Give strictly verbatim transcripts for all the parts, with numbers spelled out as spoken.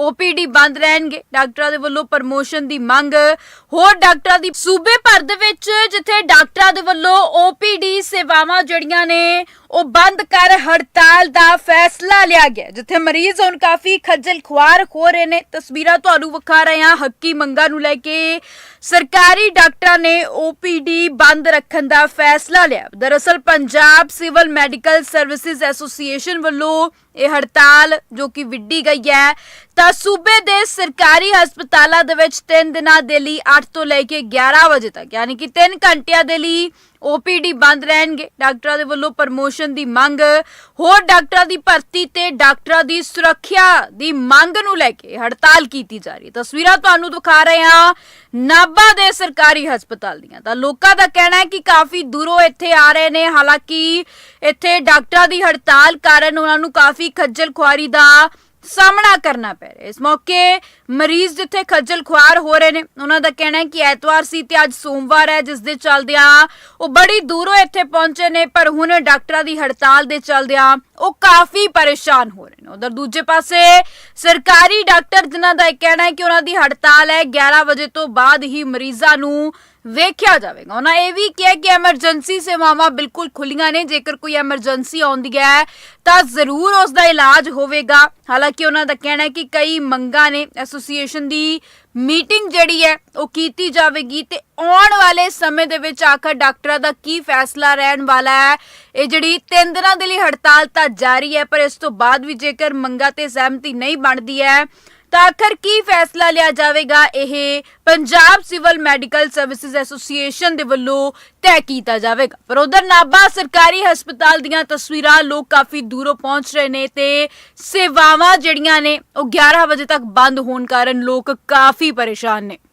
O P D बंद रहणगे। डॉक्टरां दे वल्लों promotion दी मंग। होर डॉक्टरां दी सूबे भर दे विच जिथे डॉक्टरां दे वल्लों ओ पी डी सेवावां जड़ियां ने ਉਹ ਬੰਦ ਕਰ हड़ताल ਦਾ फैसला लिया गया, जिथे मरीज ਹੁਣ काफी खज्जल खुआर हो रहे ने। तस्वीरां ਤੁਹਾਨੂੰ ਵਿਖਾ ਰਹੇ ਹਾਂ ਹੱਕੀ ਮੰਗਾਂ ਨੂੰ ਲੈ ਕੇ सरकारी डॉक्टरां ने ओ पी डी बंद रखने का फैसला लिया। दरअसल Punjab civil medical services association वालों ये हड़ताल जो कि विड्डी गई है ਤਾਂ सूबे के सरकारी हस्पतालों दे विच तीन दिनों के लिए अठ तो लैके ग्यारह बजे तक यानी कि तीन घंटिया के लिए ओ पी डी बंद रहणगे। डॉक्टरां दे वल्लों प्रमोशन की मंग। होर डॉक्टरां की भर्ती ते डॉक्टरां की सुरक्षा की मंग नूं लैके हड़ताल की जा रही है। तस्वीरां तुहानूं दिखा रहे हैं नाभा दे सरकारी हस्पताल दियां। तां लोकां दा कहना है कि काफ़ी दूरों इत्थे आ रहे ने, हालांकि इत्थे डॉक्टरां की हड़ताल कारण उन्हां नूं काफ़ी खज्जल खुआरी दा सामना करना पै रहा है। इस मौके मरीज जिथे खज्जल खुआर हो रहे हैं, उन्हों का कहना है कि एतवार सी ते अज सोमवार है, जिस दे चलदियां वो बड़ी दूरों इत्थे पहुंचे ने, पर हुण डॉक्टरां दी हड़ताल दे चलदियां वो काफ़ी परेशान हो रहे हैं। उधर दूजे पासे सरकारी डॉक्टर जिन्हां दा कहना है कि उन्हां दी हड़ताल है ग्यारह बजे तो बाद ही मरीजां नूं वेख्या जाएगा। उन्होंने यह भी किया कि एमरजेंसी सेवावां बिल्कुल खुलियां ने, जेकर कोई एमरजेंसी आउंदी है तो जरूर उसका इलाज होवेगा। हालांकि उन्हों का कहना है कि कई मंगां ने, एसोसीएशन की मीटिंग जिहड़ी है वो कीती जावेगी ते आउण वाले समय दे विच आखिर डॉक्टरां दा की फैसला रहण वाला है। ये जिहड़ी तीन दिनां दे लई हड़ताल तां जारी है, पर इस तो बाद भी जेकर मंगां ते सहमति नहीं बनदी है तो आखिर की फैसला लिया जाएगा, यह Punjab civil medical services association के वलों तय किया जाएगा। पर उधर नाभा सरकारी हस्पताल दीयां तस्वीरां लोग काफ़ी दूरों पहुंच रहे हैं ते सेवावां जिहड़ियां ने वो ग्यारह बजे तक बंद होने कारण लोग काफ़ी परेशान ने।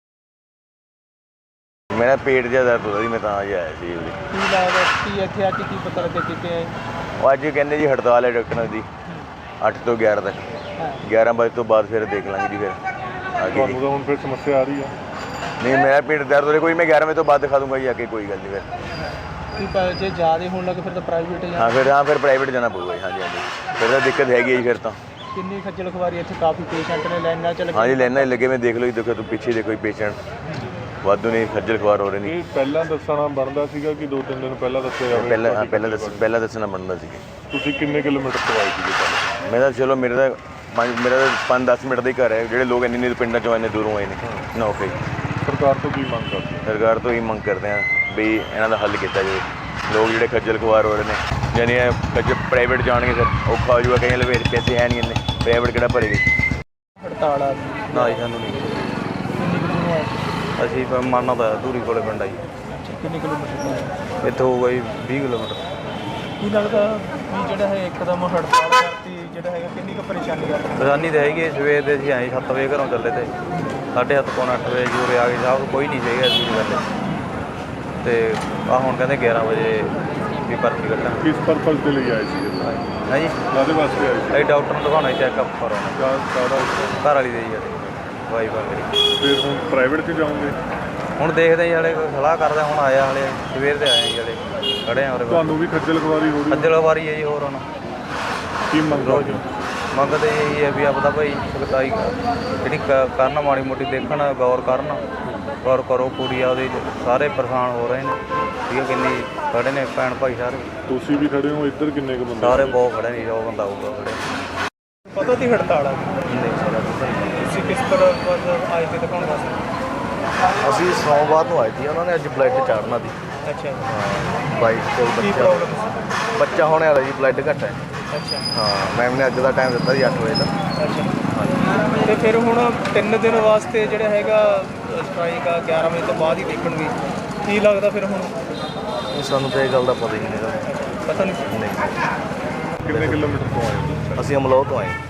मेरा पेट जिहा दर्द हो रहा, मैं तां आया सी। ਕੀ ਲੱਗਦਾ ਕੀ ਇੱਥੇ ਆ ਕੇ ਕੀ ਪਤਾ ਲੱਗਿਆ ਕਿਤੇ ਆਏ? ਉਹ ਅੱਜ ਕਹਿੰਦੇ ਜੀ ਹੜਤਾਲ ਹੈ ਡਾਕਟਰਾਂ ਦੀ ਅੱਠ ਤੋਂ ਗਿਆਰਾਂ ਤੱਕ। ਗਿਆਰਾਂ ਵਜੇ ਤੋਂ ਬਾਅਦ ਫਿਰ ਦੇਖ ਲਾਂਗੇ ਜੀ। ਫਿਰ ਤੁਹਾਨੂੰ ਤਾਂ ਹੁਣ ਫਿਰ ਸਮੱਸਿਆ ਆ ਰਹੀ ਆ? ਨਹੀਂ, ਮੇਰਾ ਪੇਟ ਦਰਦ ਹੋ ਰਿਹਾ, ਕੋਈ ਮੈਂ ਗਿਆਰਾਂ ਵਜੇ ਤੋਂ ਬਾਅਦ ਦਿਖਾ ਦੂੰਗਾ ਜੀ ਆ ਕੇ, ਕੋਈ ਗੱਲ ਨਹੀਂ। ਫਿਰ ਕੀ ਪ- ਜੇ ਜ਼ਿਆਦਾ ਹੋਣ ਲੱਗੇ ਫਿਰ ਤਾਂ ਪ੍ਰਾਈਵੇਟ ਜਾਂ ਹਾਂ ਫਿਰ ਹਾਂ ਫਿਰ ਪ੍ਰਾਈਵੇਟ ਜਾਣਾ ਪਊਗਾ ਜੀ। ਹਾਂਜੀ ਹਾਂਜੀ, ਫਿਰ ਤਾਂ ਦਿੱਕਤ ਹੈਗੀ ਜੀ। ਫਿਰ ਤਾਂ ਕਿੰਨੀ ਖੱਜਲ ਖਵਾਰੀ ਇੱਥੇ ਕਾਫੀ ਪੇਸ਼ੈਂਟ ਨੇ ਲਾਈਨਾਂ ਚ ਲੱਗੇ। ਹਾਂਜੀ ਲਾਈਨਾਂ 'ਚ ਲੱਗੇ, ਮੈਂ ਦੇਖ ਲਓ ਜੀ, ਦੇਖੋ ਤੂੰ ਪਿੱਛੇ ਦੇਖੋ ਜੀ, ਪੇਸ਼ੈਂਟ ਵਾਧੂ ਨੇ, ਖੱਜਲ ਖੁਆਰ ਹੋ ਰਹੇ ਨੇ। ਇਹ ਪਹਿਲਾਂ ਦੱਸਣਾ ਬਣਦਾ ਸੀਗਾ ਕਿ ਦੋ ਤਿੰਨ ਦਿਨ ਪਹਿਲਾਂ ਦੱਸਿਆ ਜਾਵੇ? ਪਹਿਲਾਂ ਹਾਂ ਪਹਿਲਾਂ ਦੱਸ ਪਹਿਲਾਂ ਦੱਸਣਾ ਬਣਦਾ ਸੀ। ਤੁਸੀਂ ਕਿੰਨੇ ਕਿਲੋਮੀਟਰ ਤੋਂ ਆਏ ਸੀਗੇ ਪਹਿਲਾਂ? ਮੈਂ ਤਾਂ ਚਲੋ ਮੇਰੇ ਤਾਂ ਪੰਜ ਮੇਰਾ ਤਾਂ ਪੰਜ ਦਸ ਮਿੰਟ ਦਾ ਹੀ ਘਰ ਹੈ। ਜਿਹੜੇ ਲੋਕ ਇੰਨੇ ਇੰਨੇ ਪਿੰਡਾਂ 'ਚੋਂ ਇੰਨੇ ਦੂਰੋਂ ਆਏ ਨੇ ਨਾ, ਓਕੇ। ਸਰਕਾਰ ਤੋਂ ਕੀ ਮੰਗ ਕਰਦੇ ਹੋ? ਸਰਕਾਰ ਤੋਂ ਹੀ ਮੰਗ ਕਰਦੇ ਹਾਂ ਵੀ ਇਹਨਾਂ ਦਾ ਹੱਲ ਕੀਤਾ ਜਾਵੇ। ਲੋਕ ਜਿਹੜੇ ਖੱਜਲ ਖੁਆਰ ਹੋ ਰਹੇ ਨੇ, ਯਾਨੀ ਇਹ ਖੱਜਲ ਪ੍ਰਾਈਵੇਟ ਜਾਣਗੇ ਫਿਰ ਔਖਾ ਹੋ ਜਾਊਗਾ। ਕਈਆਂ ਲਵੇ ਪੈਸੇ ਹੈ ਨਹੀਂ ਇੰਨੇ, ਪ੍ਰਾਈਵੇਟ ਕਿਹੜਾ ਭਰੇਗੀ। ਹੜਤਾਲ ਆ ਗਈ। ਨਾ ਜੀ ਸਾਨੂੰ ਨਹੀਂ। ਕਿੰਨੀ ਕੁ ਦੂਰੋਂ ਆਏ? ਅਸੀਂ ਮਾਨਾ ਦਾ ਧੂਰੀ ਕੋਲੇ ਪਿੰਡ ਆ ਜੀ। ਕਿੰਨੇ ਕਿਲੋਮੀਟਰ ਤੋਂ ਆਏ? ਇੱਥੋਂ ਹੋਊਗਾ ਜੀ ਵੀਹ ਕਿਲੋਮੀਟਰ। ਕੀ ਲੱਗਦਾ ਵੀ ਜਿਹੜਾ ਹੈ ਇੱਕਦਮ ਹੜਤਾਲ ਕਰਤੀ, ਜਿਹੜਾ ਹੈਗਾ ਕਿੰਨੀ ਕੁ ਪਰੇਸ਼ਾਨੀ ਆ? ਪਰੇਸ਼ਾਨੀ ਤਾਂ ਹੈਗੀ, ਸਵੇਰ ਦੇ ਅਸੀਂ ਆਏ ਸੱਤ ਵਜੇ ਘਰੋਂ ਚੱਲੇ ਤੇ ਸਾਢੇ ਸੱਤ ਪੌਣੇ ਅੱਠ ਵਜੇ ਜੀ ਉਰੇ ਆ ਗਏ। ਸਾਹਿਬ ਕੋਈ ਨਹੀਂ ਸੀਗਾ ਐਸੀ ਗੱਲ। ਅਤੇ ਆਹ ਹੁਣ ਕਹਿੰਦੇ ਗਿਆਰਾਂ ਵਜੇ ਵੀ ਭਰਤੀ ਕੱਢਾਂ। ਕਿਸ ਪਰਪਸ ਦੇ ਲਈ ਆਏ ਸੀਗੇ? ਹੈ ਜੀ, ਕਾਹਦੇ ਵਾਸਤੇ ਆਏ ਸੀ? ਅਸੀਂ ਡਾਕਟਰ ਨੂੰ ਦਿਖਾਉਣਾ ਚੈੱਕਅਪ ਕਰਾਉਣਾ। ਕਾ- ਕਾਹਦਾ? ਘਰ ਵਾਲੀ ਦੇ ਜੀ ਸਾਡੇ ਵਾਈਫ ਆ ਮੇਰੀ। ਫਿਰ ਹੁਣ ਪ੍ਰਾਈਵੇਟ 'ਚ ਜਾਓਗੇ? ਹੁਣ ਦੇਖਦੇ ਜੀ, ਹਾਲੇ ਸਲਾਹ ਕਰਦੇ। ਹੁਣ ਆਇਆ ਹਾਲੇ ਸਵੇਰ ਦੇ ਆਏ ਜੀ, ਹਾਲੇ ਖੜ੍ਹੇ ਆ ਉਰੇ। ਤੁਹਾਨੂੰ ਵੀ ਖੱਜਲ ਖਵਾਰੀ ਹੋ ਰਹੀ? ਖੱਜਲ ਖਵਾਰੀ ਹੈ ਜੀ। ਹੋਰ ਹੁਣ ਕੀ ਮੰਗ ਰੋਜ਼ ਕਰਦੇ ਹੋ? ਮੰਗਦੇ ਇਹੀ ਹੈ ਵੀ ਆਪਦਾ ਭਾਈ ਸਖਤਾਈ ਜਿਹੜੀ ਕ- ਕਰਨ ਮਾੜੀ ਮੋਟੀ ਦੇਖਣ, ਗੌਰ ਕਰਨ, ਗੌਰ ਕਰੋ। ਕੁੜੀ ਆ ਉਹਦੇ ਸਾਰੇ ਪਰੇਸ਼ਾਨ ਹੋ ਰਹੇ ਨੇ, ਠੀਕ ਹੈ। ਕਿੰਨੀ ਖੜੇ ਨੇ ਭੈਣ ਭਾਈ ਸਾਰੇ, ਤੁਸੀਂ ਵੀ ਖੜੇ ਹੋ ਇੱਧਰ? ਕਿੰਨੇ ਕੁ ਬੰਦੇ? ਸਾਰੇ ਬਹੁਤ ਖੜੇ ਨੇ। ਜੋ ਬੰਦਾ ਆਊਗਾ ਖੜੇ ਪਤਾ ਤੀ ਹੜਤਾਲ ਆ ਗਈ। ਨਹੀਂ ਸਾਰਾ ਤੁਸੀਂ ਕਿਸ ਤਰ੍ਹਾਂ ਆਏ ਤੇ ਦਿਖਾਉਣ ਵਾਸਤੇ? ਅਸੀਂ ਸੋਮਵਾਰ ਨੂੰ ਆਏ ਸੀ, ਉਹਨਾਂ ਨੇ ਅੱਜ ਬਲੱਡ ਚਾੜਨਾ ਸੀ। ਅੱਛਾ ਬਾਈਕ ਕੋਲ ਕੀ ਬੱਚਾ ਪ੍ਰੋਬਲਮ ਸੀ? ਬੱਚਾ ਹੋਣੇ ਵਾਲਾ ਜੀ, ਬਲੱਡ ਘੱਟ ਹੈ। ਅੱਛਾ ਹਾਂ, ਮੈਮ ਨੇ ਅੱਜ ਦਾ ਟਾਈਮ ਦਿੱਤਾ ਜੀ ਅੱਠ ਵਜੇ ਦਾ। ਅੱਛਾ ਤੇ ਫਿਰ ਹੁਣ ਤਿੰਨ ਦਿਨ ਵਾਸਤੇ ਜਿਹੜਾ ਹੈਗਾ ਸਟ੍ਰਾਈਕ ਆ ਗਿਆਰਾਂ ਵਜੇ ਤੋਂ ਬਾਅਦ ਹੀ ਦੇਖਣਗੇ। ਕੀ ਲੱਗਦਾ ਫਿਰ ਹੁਣ? ਇਹ ਸਾਨੂੰ ਤਾਂ ਇਹ ਗੱਲ ਦਾ ਪਤਾ ਹੀ ਨਹੀਂ ਹੈਗਾ। ਪਤਾ ਨਹੀਂ। ਨਹੀਂ, ਕਿੰਨੇ ਕਿਲੋਮੀਟਰ ਤੋਂ ਆਏ ਹੋ? ਅਸੀਂ ਅਮਲੋਹ ਤੋਂ ਆਏ।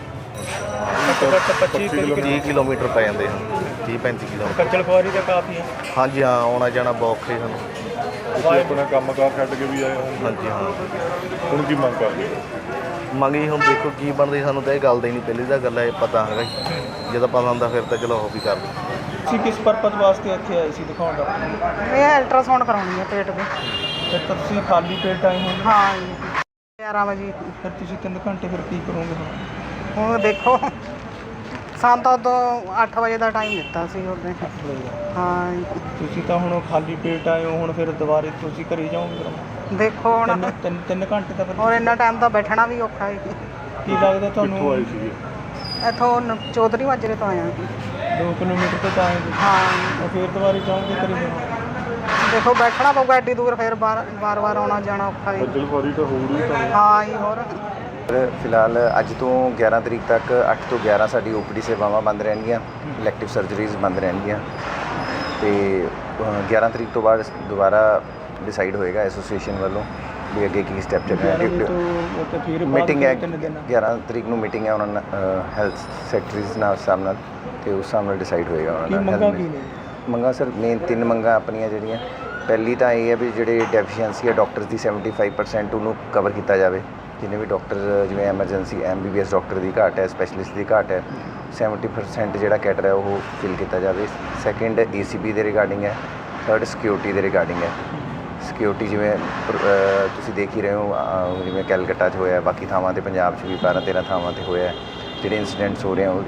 ਘੱਟੋ ਘੱਟ ਪੱਚੀ ਤੀਹ ਕਿਲੋਮੀਟਰ ਪੈ ਜਾਂਦੇ ਹਨ, ਤੀਹ ਪੈਂਤੀ ਕਿਲੋਮੀਟਰ। ਖੱਜਲ ਖੁਆਰੀ ਤਾਂ ਕਾਫੀ ਹੈ। ਹਾਂਜੀ ਹਾਂ, ਆਉਣਾ ਜਾਣਾ ਬਹੁਤ ਔਖਾ ਸਾਨੂੰ। ਤੁਸੀਂ ਆਪਣਾ ਕੰਮ ਕਾਰ ਛੱਡ ਕੇ ਵੀ ਆਏ ਹੋ? ਹਾਂਜੀ ਹਾਂ। ਹੁਣ ਕੀ ਮੰਗ ਕਰਦੇ ਹੋ? ਮੰਗੀ ਹੁਣ ਦੇਖੋ ਕੀ ਬਣਦੀ। ਸਾਨੂੰ ਤਾਂ ਇਹ ਗੱਲ ਦਾ ਹੀ ਨਹੀਂ, ਪਹਿਲੀ ਤਾਂ ਗੱਲ ਇਹ ਪਤਾ ਹੈਗਾ ਜੀ। ਜਦੋਂ ਪਤਾ ਹੁੰਦਾ ਫਿਰ ਤਾਂ ਚਲੋ ਉਹ ਵੀ ਕਰਦੇ। ਤੁਸੀਂ ਕਿਸ ਪਰਪਸ ਵਾਸਤੇ ਇੱਥੇ ਆਏ ਸੀ ਦਿਖਾਉਣ ਦਾ? ਇਹ ਅਲਟਰਾਸਾਊਂਡ ਕਰਾਉਣੀ ਹੈ ਪੇਟ ਦੇ। ਫਿਰ ਤਾਂ ਤੁਸੀਂ ਖਾਲੀ ਪੇਟ ਆਏ ਹੋ? ਹਾਂ ਜੀ, ਗਿਆਰਾਂ ਵਜੇ। ਫਿਰ ਤੁਸੀਂ ਤਿੰਨ ਘੰਟੇ ਫਿਰ ਕੀ ਕਰੋਗੇ? ਹੁਣ ਦੇਖੋ ਸਾਨੂੰ ਤਾਂ ਉਦੋਂ ਅੱਠ ਵਜੇ ਦਾ ਟਾਈਮ ਦਿੱਤਾ ਸੀ ਉਹਨੇ। ਅੱਠ ਵਜੇ ਦਾ। ਹਾਂ ਜੀ। ਤੁਸੀਂ ਤਾਂ ਹੁਣ ਖਾਲੀ ਪੇਟ ਆਏ ਹੋ, ਹੁਣ ਫਿਰ ਦੁਬਾਰੇ ਤੁਸੀਂ ਘਰੇ ਜਾਓਗੇ ਫਿਰ? ਦੇਖੋ ਹੁਣ ਤਿੰਨ ਤਿੰਨ ਤਿੰਨ ਘੰਟੇ ਤਾਂ ਫਿਰ ਔਰ ਇੰਨਾ ਟਾਈਮ ਤਾਂ ਬੈਠਣਾ ਵੀ ਔਖਾ ਹੈ। ਕੀ ਲੱਗਦਾ ਕਿੱਥੋਂ ਤੁਹਾਨੂੰ? ਆਏ ਸੀਗੇ? ਇੱਥੋਂ ਨ- ਚੌਧਰੀ ਮਾਜਰੇ ਤੋਂ ਆਇਆ ਜੀ। ਦੋ ਕਿਲੋਮੀਟਰ ਤੋਂ ਤਾਂ ਆਏ ਤੁਸੀਂ। ਹਾਂ ਤਾਂ ਫਿਰ ਦੁਬਾਰੇ ਜਾਓਗੇ ਘਰੇ ਜਾਣਾ? ਦੇਖੋ ਬੈਠਣਾ ਪਊਗਾ ਐਡੀ ਦੂਰ, ਫਿਰ ਬਾਰ ਵਾਰ ਵਾਰ ਆਉਣਾ ਜਾਣਾ ਔਖਾ ਹੈ। ਖੱਜਲ ਖੁਆਰੀ ਤਾਂ ਹੋ ਰਹੀ ਤੁਹਾਨੂੰ? ਹਾਂ ਜੀ। ਹੋਰ ਫਿਲਹਾਲ ਅੱਜ ਤੋਂ ਗਿਆਰਾਂ ਤਰੀਕ ਤੱਕ ਅੱਠ ਤੋਂ ਗਿਆਰਾਂ ਸਾਡੀ ਓਪੀਡੀ ਸੇਵਾਵਾਂ ਬੰਦ ਰਹਿਣਗੀਆਂ, ਇਲੈਕਟਿਵ ਸਰਜਰੀਜ਼ ਬੰਦ ਰਹਿਣਗੀਆਂ ਤੇ ਅ, ਗਿਆਰਾਂ ਤਰੀਕ ਤੋਂ ਬਾਅਦ ਦੁਬਾਰਾ ਡਿਸਾਈਡ ਹੋਏਗਾ ਐਸੋਸੀਏਸ਼ਨ ਵੱਲੋਂ ਵੀ ਅੱਗੇ ਕੀ ਸਟੈਪ ਚੱਕਣਾ ਗਿਆਰਾਂ ਵਜੇ ਹੈ। ਤੋਂ ਉੱਥੇ ਫਿਰ ਬਾਅਦ ਮੀਟਿੰਗ ਹੈ ਤਿੰਨ ਦਿਨ ਗਿਆਰਾਂ ਤਰੀਕ ਨੂੰ ਮੀਟਿੰਗ ਹੈ ਉਹਨਾਂ ਨਾਲ ਹੈਲਥ ਸੈਕਟਰੀਜ਼ ਨਾਲ ਹਿਸਾਬ ਨਾਲ ਤੇ ਉਸ ਹਿਸਾਬ ਨਾਲ ਡਿਸਾਈਡ ਹੋਏਗਾ ਕੀ ਉਹਨਾਂ ਮੰਗਾਂ ਨਾਲ। ਕੀ ਨੇ? ਮੰਗਾਂ ਸਰ ਮੇਨ ਤਿੰਨ ਮੰਗਾਂ ਆਪਣੀਆਂ ਜਿਹੜੀਆਂ, ਪਹਿਲੀ ਤਾਂ ਇਹ ਹੈ ਵੀ ਜਿਹੜੇ ਡੈਫੀਸ਼ੀਐਂਸੀ ਹੈ ਡਾਕਟਰਸ ਦੀ ਸੈਵਨਟੀ ਫਾਈਵ ਪਰਸੈਂਟ ਉਹਨੂੰ ਕਵਰ ਕੀਤਾ ਜਾਵੇ। ਜਿੰਨੇ ਵੀ ਡਾਕਟਰ ਜਿਵੇਂ emergency M B B S doctor ਦੀ ਘਾਟ ਹੈ, ਸਪੈਸ਼ਲਿਸਟ ਦੀ ਘਾਟ ਹੈ, ਸੈਵਨਟੀ ਪਰਸੈਂਟ ਜਿਹੜਾ ਕੈਟਰ ਹੈ ਉਹ ਫਿਲ ਕੀਤਾ ਜਾਵੇ। ਸੈਕਿੰਡ ਏ ਸੀ ਬੀ ਦੇ ਰਿਗਾਰਡਿੰਗ ਹੈ। ਥਰਡ ਸਿਕਿਉਰਿਟੀ ਦੇ ਰਿਗਾਰਡਿੰਗ ਹੈ। ਸਿਕਿਉਰਿਟੀ ਜਿਵੇਂ ਅ, ਤੁਸੀਂ ਦੇਖ ਹੀ ਰਹੇ ਹੋ ਅ, ਜਿਵੇਂ ਕੈਲਕੱਟਾ 'ਚ ਹੋਇਆ, ਬਾਕੀ ਥਾਵਾਂ 'ਤੇ ਪੰਜਾਬ 'ਚ ਵੀ ਬਾਰਾਂ ਤੇਰਾਂ ਥਾਵਾਂ 'ਤੇ ਹੋਇਆ, ਜਿਹੜੇ ਇਨਸੀਡੈਂਟਸ ਹੋ ਰਹੇ ਆ ਉਹ